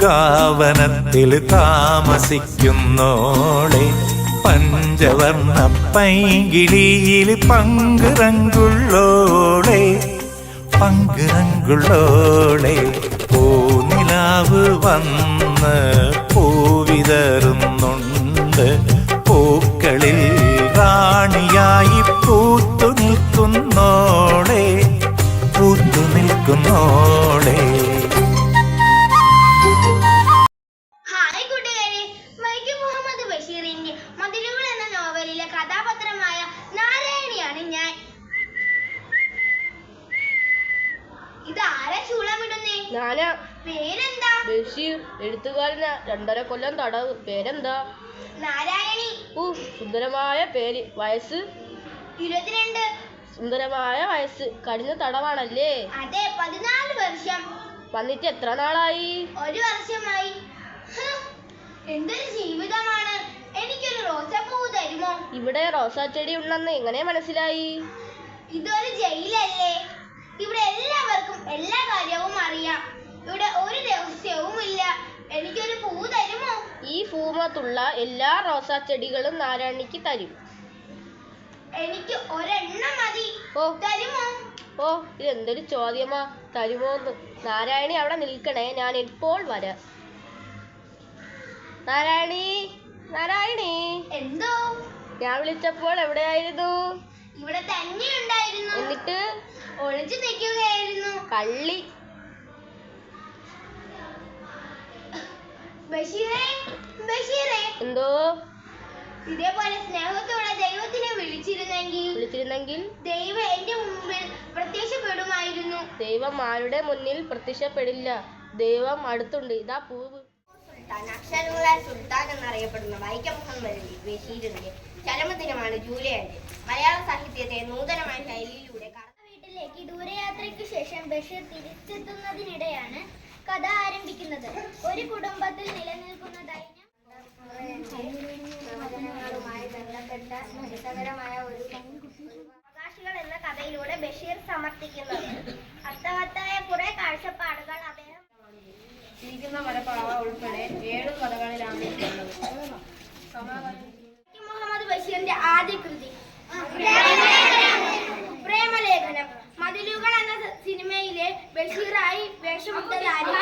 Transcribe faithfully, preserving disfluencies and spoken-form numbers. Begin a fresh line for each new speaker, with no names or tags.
പൂങ്കാവനത്തിൽ താമസിക്കുന്നോളെ പഞ്ചവർണ്ണ പൈങ്കിളിയിൽ പങ്കുറങ്കുള്ളോളെ പങ്കുറങ്കുള്ളോളെ പൂനിലാവ് വന്ന് പൂവിതറുന്നുണ്ട് പൂക്കളിൽ റാണിയായി പൂത്തു നിൽക്കുന്നോളെ പൂത്തു നിൽക്കുന്നോളെ.
ഹായ് കൂട്ടുകാരെ, വൈക്കം മുഹമ്മദ് ബഷീറിന്റെ മതിലുകൾ എന്ന നോവലിലെ കഥാപാത്രമായ നാരായണിയാണ് ഞാൻ. ഇത് ആരാ ചൂളമിടുന്നേ?
ഞാനാ.
പേരെന്താ?
ബഷീർ. എഴുത്തുകാരനാ. രണ്ടര കൊല്ലം തടവ്. പേരെന്താ?
നാരായണി.
ഊ, സുന്ദരമായ പേര്. വയസ്സ്?
ഇരുപത്തിരണ്ട്.
സുന്ദരമായ വയസ്സ്. കഠിന തടവാണല്ലേ?
അതെ, പതിനാല് വർഷം.
വന്നിട്ട് എത്ര നാളായി?
ഒരു വർഷമായി. എന്തൊരു ജീവിതമാണ്. എനിക്കൊരു റോസാപ്പൂ തരുമോ?
ഇവിടെ റോസാ ചെടി ഉണ്ടെന്ന് എങ്ങനെ മനസ്സിലായി?
ഇതൊരു ജയിലല്ലേ. ഇവിടെ എല്ലാവർക്കും എല്ലാ കാര്യവും അറിയാം. ഇവിടെ ഒരു രഹസ്യവും ഇല്ല. എനിക്കൊരു പൂ തരുമോ?
ഈ ഭൂമത്തുള്ള എല്ലാ റോസാ ചെടികളും നാരായണിക്ക് തരും.
എനിക്ക് ഒരെണ്ണം മതി.
ഓ
തരുമോ?
ഓ, ഇതെന്തൊരു ചോദ്യമാ. തരുമോന്ന്. നാരായണി അവിടെ നിൽക്കണേ, ഞാൻ ഇപ്പോൾ വരാം. നാരായണി, നാരായണി.
എന്തോ?
ഞാൻ വിളിച്ചപ്പോൾ എവിടെയായിരുന്നു?
ഇവിടെ തന്നെ ഉണ്ടായിരുന്നു.
എന്നിട്ട്?
ഒളിച്ചു നിൽക്കുകയായിരുന്നു.
കള്ളി.
ബഷീറേ, ബഷീറേ.
എന്തോ?
ഇതേപോലെ സ്നേഹത്തോടെ ദൈവത്തിനെ വിളിച്ചിരുന്നെങ്കിൽ
വിളിച്ചിരുന്നെങ്കിൽ
ദൈവം എന്റെ മുമ്പിൽ പ്രത്യക്ഷപ്പെടുമായിരുന്നു.
ദൈവം ആരുടെ മുന്നിൽ പ്രത്യക്ഷപ്പെടില്ല. ദൈവം അടുത്തുണ്ട്. ഇതാ പൂവ്.
സുൽത്താൻ, അക്ഷരങ്ങളാൽ സുൽത്താൻ എന്നറിയപ്പെടുന്ന വൈക്കം മുഹമ്മദ് ബഷീറിന്റെ ചരമദിനമാണ് ജൂലൈ അഞ്ച്. മലയാള സാഹിത്യത്തെ നൂതനമായ ശൈലിയിലൂടെ വീട്ടിലേക്ക് ദൂരയാത്രയ്ക്ക് ശേഷം ബഷീർ തിരിച്ചെത്തുന്നതിനിടെയാണ് കഥ ആരംഭിക്കുന്നത്. ഒരു കുടുംബത്തിൽ നിലനിൽക്കുന്ന ദൈന്യം പ്രവചനങ്ങളുമായി ബന്ധപ്പെട്ട രസകരമായ ഒരു അവകാശികൾ എന്ന കഥയിലൂടെ ബഷീർ സമർത്ഥിക്കുന്നത്. അർത്ഥവത്തായ കുറെ കാഴ്ചപ്പാടുകൾ അദ്ദേഹം
മലപ്പാവ ഉൾപ്പെടെ ഏഴു കഥകളിലാണ്
മുഹമ്മദ് ബഷീറിന്റെ ആദ്യ കൃതി പ്രേമലേഖനം. മതിലുകൾ എന്ന സിനിമയിലെ ബഷീറായി വേഷമിട്ട